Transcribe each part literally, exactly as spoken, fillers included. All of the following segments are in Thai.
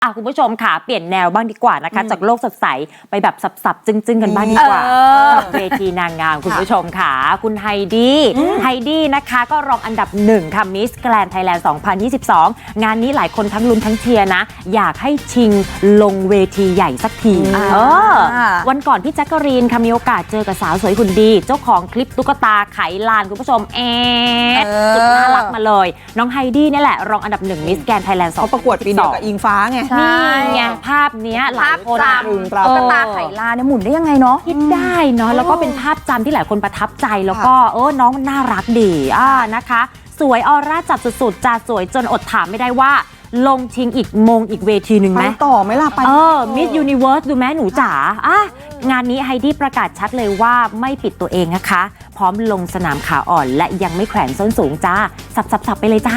อ่ะคุณผู้ชมค่ะเปลี่ยนแนวบ้างดีกว่านะคะจากโลกสดใสไปแบบสับๆจึ้งๆกันบ้างดีกว่าเวทีนางงามคุณผู้ชมค่ะคุณไฮดี้ไฮดี้นะคะก็รองอันดับหนึ่งค่ะมิสแกรนด์ไทยแลนด์สองพันยี่สิบสองงานนี้หลายคนทั้งลุ้นทั้งเชียร์นะอยากให้ชิงลงเวทีใหญ่สักทีเออวันก่อนพี่แจ๊กกะรีนค่ะมีโอกาสเจอกับสาวสวยหุ่นดีเจ้าของคลิปตุ๊กตาไขลานคุณผู้ชมเอ๊ะสุดน่ารักมาเลยน้องไฮดี้นี่แหละรองอันดับหนึ่งมิสแกรนด์ไทยแลนด์สองพันยี่สิบสองประกวดปีเดียวกับอิงฟ้าไงนี่ไงภาพเนี้ยหลายคนตุ๊กตาไขลานเนี่ยหมุนได้ยังไงเนาะคิดได้เนาะแล้วก็เป็นภาพจำที่หลายคนประทับใจแล้วก็เออน้องมันน่ารักดีอ่านะคะสวยออร่าจับสุดๆจะสวยจนอดถามไม่ได้ว่าลงชิงอีกมงอีกเวทีหนึ่งไหมต่อไหมล่ะไปเออมิสยูนิเวิร์สดูแม่หนูจ๋าอ่ะงานนี้ไฮดี้ประกาศชัดเลยว่าไม่ปิดตัวเองนะคะพร้อมลงสนามขาอ่อนและยังไม่แขวนส้นสูงจ้าสับๆๆไปเลยจ้า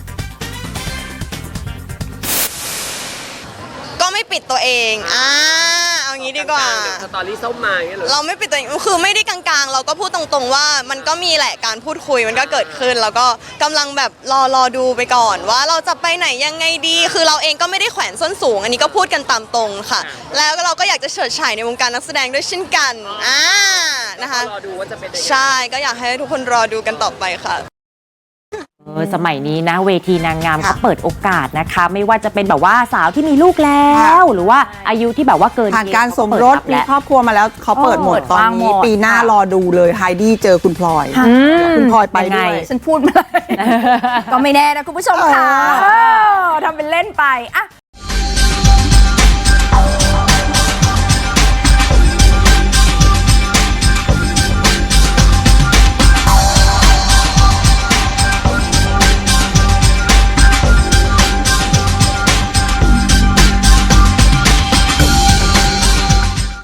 ก็ไม่ปิดตัวเองอ่าเอางี้ดีกว่าสตอรี่ส้มมาอย่างเงี้ยหรอเราไม่ปิดตัวเองคือไม่ได้กลางๆเราก็พูดตรงๆว่ามันก็มีแหละการพูดคุยมันก็เกิดขึ้นแล้วก็กำลังแบบรอรอดูไปก่อนว่าเราจะไปไหนยังไงดีคือเราเองก็ไม่ได้แขวนส้นสูงอันนี้ก็พูดกันตามตรงค่ะแล้วเราก็อยากจะเฉิดฉายในวงการนักแสดงด้วยเช่นกันอ่านะคะรอดูว่าจะเป็นยังไงใช่ก็อยากให้ทุกคนรอดูกันต่อไปค่ะเออสมัยนี้นะเวทีนางงามเขาเปิดโอกาสนะคะไม่ว่าจะเป็นแบบว่าสาวที่มีลูกแล้วหรือว่าอายุที่แบบว่าเกินผ่านการสมรสมีครอบครัวมาแล้วเขาเปิดหมดตอนนี้ปีหน้ารอดูเลยไฮดี้เจอคุณพลอยคุณพลอยไปด้วยฉันพูดมาเลยก็ไม่แน่นะคุณผู้ชมค่ะทำเป็นเล่นไปอ่ะ